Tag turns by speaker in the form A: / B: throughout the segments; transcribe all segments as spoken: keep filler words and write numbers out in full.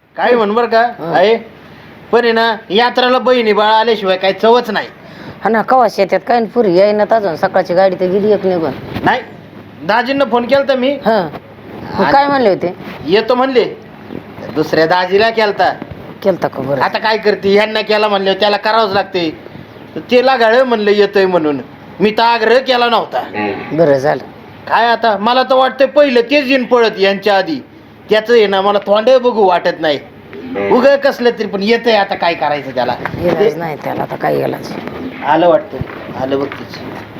A: काय म्हण बर का आहे पण आहे ना यात्रेला बहिणी बाळा आल्याशिवाय काही चवच नाही.
B: हा ना कवाश येतात काय पुरी येईनात अजून सकाळची गाडी तर गेली एक निघून.
A: नाही दाजींना फोन केलता मी.
B: हा काय म्हणले होते?
A: येतो म्हणले. दुसऱ्या दाजीला केलता.
B: केलता का बरं?
A: आता काय करते ह्यांना केला म्हणले त्याला करावंच लागते. त्याला गाळ म्हणलं येतोय म्हणून मी तर आग्रह केला नव्हता.
B: बरं झालं.
A: काय आता मला तर वाटतंय पहिलं तेच येईन पळत यांच्या आधी त्याच आहे ना मला तोंड बघू वाटत नाही. उग कसलं तरी पण येतंय आता काय करायचं त्याला.
B: इलाज नाही त्याला आता काय इलाज.
A: आलं वाटतं आलं बघतीच.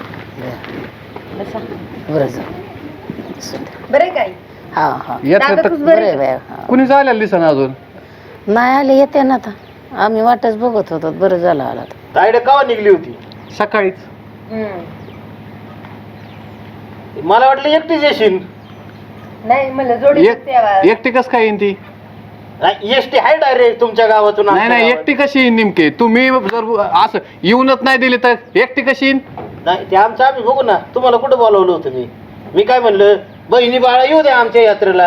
B: बरं झालं.
C: बरं काय
B: हा हा
D: येत
B: बरं आहे बाया.
D: कुणी जायला दिसना अजून.
B: नाही आले येते ना आता आम्ही वाटच बघत होतो. बरं झालं आला.
A: तायडे केव्हा निघली होती?
D: सकाळीच.
A: मला वाटलं एकटीच येशील.
C: नाही मला जोडी
D: एक- एकटी कस काय येईन ती?
A: एसटी आहे डायरेक्ट तुमच्या गावातून
D: नाही
A: आमच्या
D: नाही
A: गावात.
D: एकटी कशी येईन नेमके? तुम्ही जर असं येऊनच नाही दिली तर एकटी कशी येईन?
A: नाही ते आमचं आम्ही बघू ना. तुम्हाला कुठं बोलावलं होतं मी? मी काय म्हणलं बहिणी बाळा येऊ द्या आमच्या यात्रेला.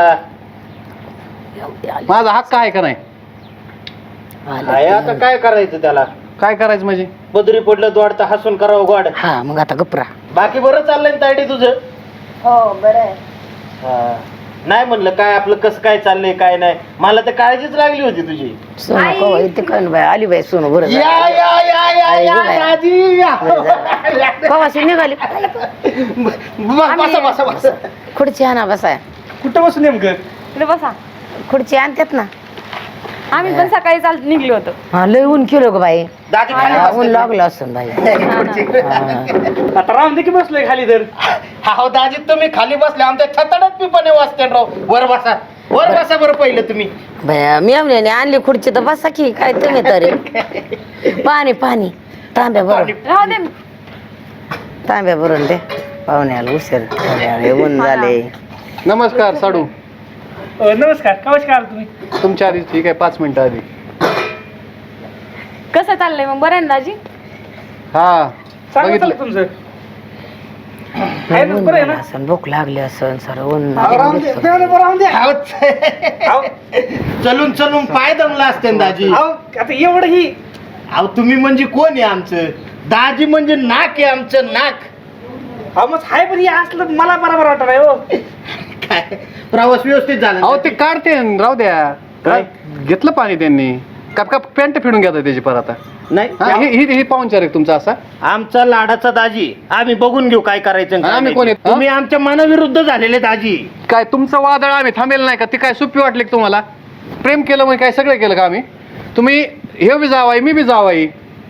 D: माझा हक्क आहे का नाही?
A: आहे आता काय करायचं त्याला?
D: काय करायचं म्हणजे?
A: बदरी पडलं दोडता हसून करावं गोड.
B: हा मग आता गपरा.
A: बाकी बरं चाललंय ना तायडे तुझं?
C: हो बरं आहे.
A: हा. नाही म्हणलं काय आपलं कसं काय चाललंय काय नाही. मला तर काळजीच लागली होती तुझी.
B: सोनू कवा येते काय बाय आली बाई सोनू. बरं
A: या या या या
B: आई
A: या
B: गं बाई.
A: दाजी या.
B: कवाशी निघाली.
A: ब- बसा बसा बसा.
B: खुर्ची आणा बसाय.
A: कुठं बसू नेमकं?
C: इकडे बसा.
B: खुर्ची आणतात ना.
C: आम्ही पण सकाळी चाल निघलो होतो.
B: हा लय ऊन केलं ग बाई.
A: दाजी खाली
B: हा,
A: बसते.
B: ऊन लागलं असं बाई.
A: आता राहून दे की बसलोय खाली तर. हा दाजी तुम्ही खाली बसले आमच्या छताडात मी पण वाचते राव. वर बसा वर बसा बरं पहिलं तुम्ही.
B: बाया मी आमल्याने आणली खुर्ची तर बसा की काय तुम्ही तरी. पाणी पाणी तांब्या भरून
C: राहू दे.
B: तांब्या भरून दे पाहुण्याला उशीर झाले, ऊन झाले.
D: नमस्कार साडू.
A: नमस्कार नमस्कार. तुम्ही
D: तुमच्या आधी ठीक आहे पाच मिनिटं आधी.
C: कसं चाललंय मग? बरं आहे ना दाजी?
D: हा बघितलं.
A: तुमचं
B: ऊन झालं असन भूक लागली असन सर ऊन
A: चलून चलून पाय दमला असते ना दाजी.
E: आता एवढं ही
A: अहो तुम्ही म्हणजे कोण आहे आमचं? दाजी म्हणजे नाक आहे आमचं नाक.
E: हा मग हाय पण हे असलं मला बरोबर वाटत नाही हो.
A: काय प्रवास व्यवस्थित झाला
D: अहो ते काढते न, राहू द्या. काय घेतलं पाणी त्यांनी? का का पॅन्ट फिरून घेतात त्याची परत आता?
A: नाही
D: हा, ही ही- ही पाहुणचार आहे तुमचा असा?
A: आमचा लाडाचा दाजी आम्ही बघून घेऊ काय करायचं आणि काय
D: आम्ही
A: नाही.
D: कोण आहेत? हा?
A: तुम्ही आमच्या मनाविरुद्ध झालेले दाजी.
D: काय तुमचं वादळ आम्ही थांबेल नाही का? ती काय सुप्पी वाटली का तुम्हाला? प्रेम केलं म्हणजे काय सगळं केलं का आम्ही? तुम्ही हे बी जावाई मी बी जावाई.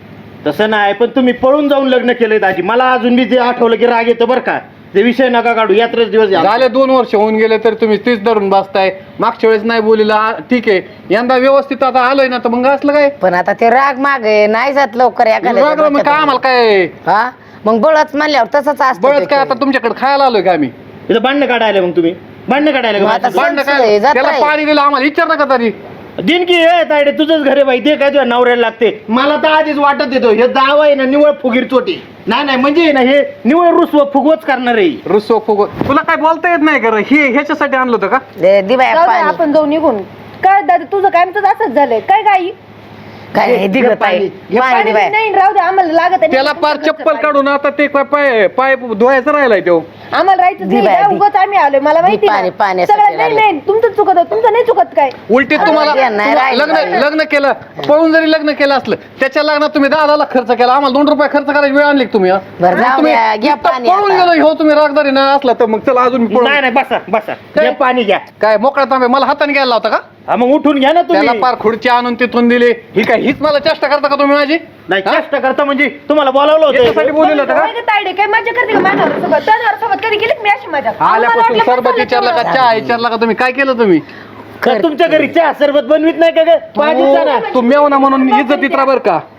A: तसं नाही पण तुम्ही पळून जाऊन लग्न केलंय दाजी. मला अजून बी ते आठवलं की राग येतो बरं का. ते विषय नका काढू. यात्रेच दिवस आहे आमचा.
D: झाले दोन वर्ष होऊन गेले तर तुम्ही तीच धरून बसताय. मागच्या वेळेस नाही बोलीला ठीक आहे. यंदा व्यवस्थित आता आलोय ना तर मग असलं काय?
B: पण आता ते राग माग नाही जात लवकर
D: राग राग मग काय आम्हाला काय
B: हा मग बळच म्हणल्यावर तसंच असतं
D: बळच
B: ते
D: काय आता
B: काही.
D: तुमच्याकडे खायला आलोय का आम्ही?
A: इथं भांडणं काढायला मग तुम्ही भांडणं काढायला
B: मग
A: का
B: आता
A: माझ्याशी?
D: भांडणं
B: संशय
D: काय?
B: जात
D: त्याला
B: आहे.
D: पाणी दिलं आम्हाला विचार का तरी?
A: दिन की हे तायडे तुझंच घर आहे बाई. ते काय तुझ्या नवऱ्याला लागते. मला तर आधीच वाटत येतो हे दाव आहे ना निवळ फुगीर चोटी. नाही नाही म्हणजे ना हे निवळ रुसव फुगवच करणार आहे.
D: रुसो फुगो तुला काय बोलता येत नाही का? हे ह्याच्यासाठी आणलं होतं का?
B: दे दे बाया
C: जाऊ दे,
B: पाणी.
C: आपण जाऊ निघून. काय दादा तुझं काय आमचं असंच झालंय काय गाई?
B: काय नाही दिलं
A: हे
B: पाणी
A: पाणी.
B: पाणी दे बाया.
C: नाही राहू दे आम्हाला लागत आहे.
D: त्याला पार चप्पल काढून आता ते काय पाय पाय धुवायचं राहिलाय तो.
C: आम्हाला राहायचं
B: दे
C: नाही
B: बाया,
C: ना,
B: दे.
C: उगाच आम्ही आलोय मला माहिती
B: पाणी,
C: ना.
B: पाण्यासाठी
C: सगळं नाही
B: आले.
C: नाही तुमचं चुकत आहे, तुमचं नाही चुकत काय.
D: उलटी तुम्हाला
B: नाही, नाही,
D: तुम्हा-
B: राहिलं,
D: लग्न
B: राहिलं.
D: लग्न केलं पळून जरी लग्न केलं असलं त्याच्या लग्नात तुम्ही दहा दहा लाख खर्च केला. आम्हाला दोन रुपये खर्च करायची वेळ आणली का तुम्ही? हा?
B: बरं जाऊ
D: तुम्ही
B: द्या, घ्या
D: नुसतं
B: पाणी
D: पळून
B: आता.
D: गेलो हो तुम्ही रागदारी ना असला तर मग चला अजून मी पळून-
A: नाही नाही बसा बसा
D: काय?
A: घ्या पाणी घ्या.
D: काय मोकळा तांबे मला हाताने घ्यायला होता का?
A: हा मग उठून घ्या ना
D: त्याला
A: तुम्ही.
D: पार खुर्ची आणून तिथून दिली. ही काय हीच मला चेष्टा करता का तुम्ही माझी?
A: नाही
D: हा?
A: चेष्टा करता म्हणजे तुम्हाला बोलावलं
D: याच्यासाठी
A: होतं.
D: बोललेलं होतं का?
C: काय गं तायडे काय मजा करते का माझ्यावर सोबत? त्याच्यावर सोबत कधी गेलीत मी अशी मजा? आम्हाला
D: आल्यापासून
C: वाटलं
D: सरबत
C: काय
D: विचारला का
C: चाललंय
D: चहा विचारला का तुम्ही? काय केलं तुम्ही?
A: का तुमच्या घरी चहा सरबत बनवीत नाही का ग? पाणीचा ना.
D: तू मेवना म्हणून इज्जतीत राहा बरं का?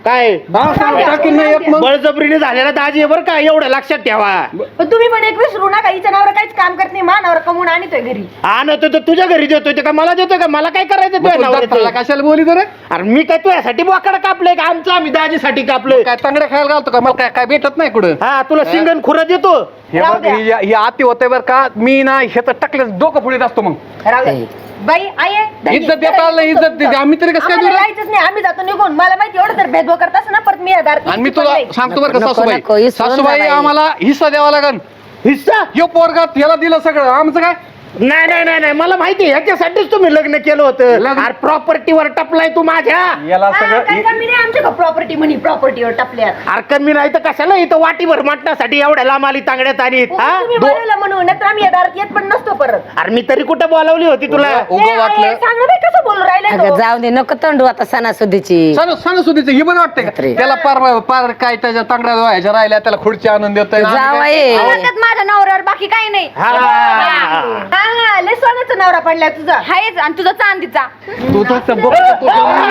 A: काय
D: टाकीन नाही एक मग.
A: बळजबरीने झालेला दाजी आहे बरं का, एवढं लक्षात ठेवा.
C: पण तुम्ही पण एक विसरू नका, हिच्या नावावर काहीच काम करत नाही, मानावर कमवून आणतोय घरी.
A: आणतो तर तुझ्या घरी देतोय ते का मला देतोय का? मला काय करायचं
D: मग
A: तुझ्या
D: तू दत्ताला
A: नवऱ्याचं?
D: कशाला बोली तर
A: अरे मी काय तुझ्यासाठी बोकाड कापलंय का? आमचं आम्ही दाजीसाठी कापलंय.
D: काय तांगड्या खायला घालतो का? मला काय काय भेटत नाही कुठं.
A: हा तुला सिंगन खुरा देतो.
D: हे
C: राहू
D: बघ
C: द्या.
D: ही ही अति होते बरं का. मी ना ह्याचं टाकलं डोकं पुढे असतो मग.
C: राहू द्या. बाई आई आहे, धनी.
D: इज्जत देता आलं नाही, इज्जत देते. आम्ही तरी कसं काय
C: आम्हाला
D: देऊ?
C: जायचंच नाही, आम्ही जातो निघून. मला माहिती एवढं तर भेदभाव करत असं ना, परत मी दारात
D: आणि मी तुला सांगतो बरं का
B: नको,
D: सासूबाई,
B: नको, विसरून जा
D: सासूबाई
B: बाई.
D: आम्हाला हिस्सा द्यावा लागन.
A: हिस्सा?
D: यो पोरगात याला दिलं सगळं, आमचं काय?
A: नाही नाही नाही नाही मला माहिती आहे, ह्याच्यासाठीच तुम्ही लग्न केलं होतं.
D: लग्न-
A: अरे प्रॉपर्टीवर टपलाय तू माझ्या.
D: याला
C: काय
D: सगळं
C: कमी नाही आमच्या प्रॉपर्टी म्हणी, प्रॉपर्टीवर टपल्यात.
A: अरे कमी नाही तर कशाला इथं वाटीभर मटण्यासाठी एवढ्या लांब आली तांगड्यात आणि हा?
C: तुम्ही
A: दो-
C: बोलवलं म्हणून, नाहीतर आम्ही या दारात येत पण नसतो परत.
A: अरे मी तरी कुठं बोलावली होती तुला?
D: उगं
C: ए,
D: वाटलं.
C: आई, सांग ना बाई कसं बोलू राहिले
B: अगं जाऊ दे, नको तंडू आता सणासुदीची.
D: सण सणासुदीचं हे बरं वाटतंय
B: बापरे.
D: का? त्याला पार पार काय त्याच्या तांगड्या व्हायच्या राहिल्या, त्याला खुर्ची आणून देतोय.
B: जावई.
C: माझ्या नवऱ्यावर बाकी काही नाही.
A: हा.
C: हा हा लय सोन्याचा नवरा पडलाय तुझा. हायच आणि तुझा चांदीचा.
D: तू तर बघ, तू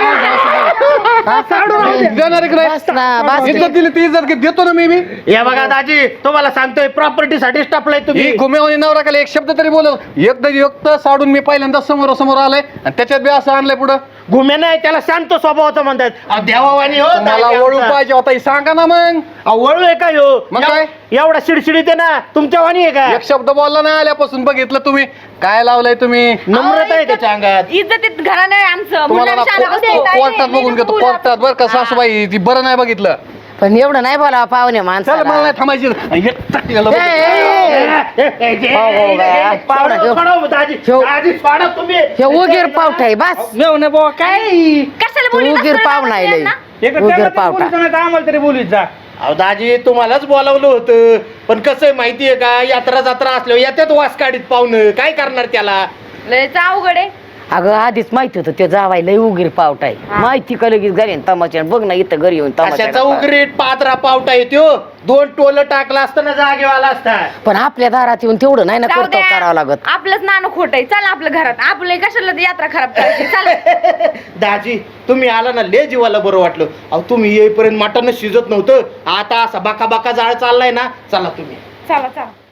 D: देणार आहे की नाही?
B: बस ना, बस.
D: इज्जत दिली ती इज्जत घे- देतो ना मी मी
A: हे बघा दाजी तुम्हाला सांगतोय प्रॉपर्टीसाठीच टपलाय
D: ही
A: तुम्ही.
D: घुमेवणी नवरा केला एक शब्द तरी बोल. एकदा युक्त साडून मी पहिल्यांदा समोर समोर आलाय आणि त्याच्यात बी असं आणलंय पुढं.
A: घुमे नाही त्याला शांत स्वभावाचं म्हणतात. अहो, देवावानी हो
D: मला
A: दाजी
D: वळू
A: आमचा.
D: पाहिजे होता हे सांगा ना मग.
A: अहो, वळू आहे का ह्यो?
D: मग
A: एव-
D: काय?
A: एवढा शिडशिडीत आहे ना तुमच्या वाणी आहे का?
D: एक शब्द बोलला नाही आल्यापासून बघितलं तुम्ही काय लावलंय तुम्ही.
A: नम्रता आहे त्याच्या अंगात.
C: इज्जतीत घराणं आहे आमचं.
D: तुम्हाला ना
C: मुलांना शाळा
D: को-
C: होते, काय
D: कोर्टात
C: नाही,
D: बघून घेतो
C: नाही,
D: कोर्टात बरं का सासूबाई ती बरं नाही बघितलं.
B: पण एवढं नाही बोलावं पाहुणे
D: चल मला
B: माणसाला.
D: नाही थांबायची. हे टाकलेलं
B: ए,
D: बघ.
B: ए, ए.
A: ए, ए, जे-
B: हो, हो, बाया.
A: ए, पावडं,
B: ह्यो-
A: सोडव, दाजी
B: ह्यो-
A: दाजी सोडव तुम्ही.
B: हे उगीर पावठा आहे बस.
E: मेवणे बुवा काय
C: कशाला
B: तू
C: बोलली
B: उगीर
C: नसतं
B: पाहुणा
C: ना
B: आहे
C: यांना?
E: एक
B: उगीर
E: त्यांना तरी
B: पावटा.
E: बोलू नका, आम्हाला तरी बोलूच जा.
A: अहो दाजी तुम्हालाच बोलावलं होतं पण कसं आहे माहितीये का यात्रा जत्रा असल्यावर याच्यात वास काढीत पाहुणं काय करणार त्याला.
C: लयच अवघड आहे.
B: अगं आधीच माहिती होतं ते जावाय लय उगीर पावठा आहे. माहिती का लगेच घरी तमाशा बघ ना इथं घरी येऊन
A: कशाचा
B: तमाशा
A: उगरीट पात्रा पावटा येतो दोन टोल टाकला असताना जागेवाला असता.
B: पण आपल्या दारात येऊन तेवढं नाही ना
C: जाऊ
B: करतो
C: द्या.
B: करावं लागत.
C: आपलंच नाणं खोट आहे. चल आपलं घरात, आपलं कशाला ती यात्रा खराब करायची. चल.
A: दाजी तुम्ही आला ना लय जीवाला बरं वाटलं. अहो तुम्ही येईपर्यंत मटण शिजत नव्हतं आता असा बाका बाका जाळ चाललाय ना. चला तुम्ही
C: चला चला.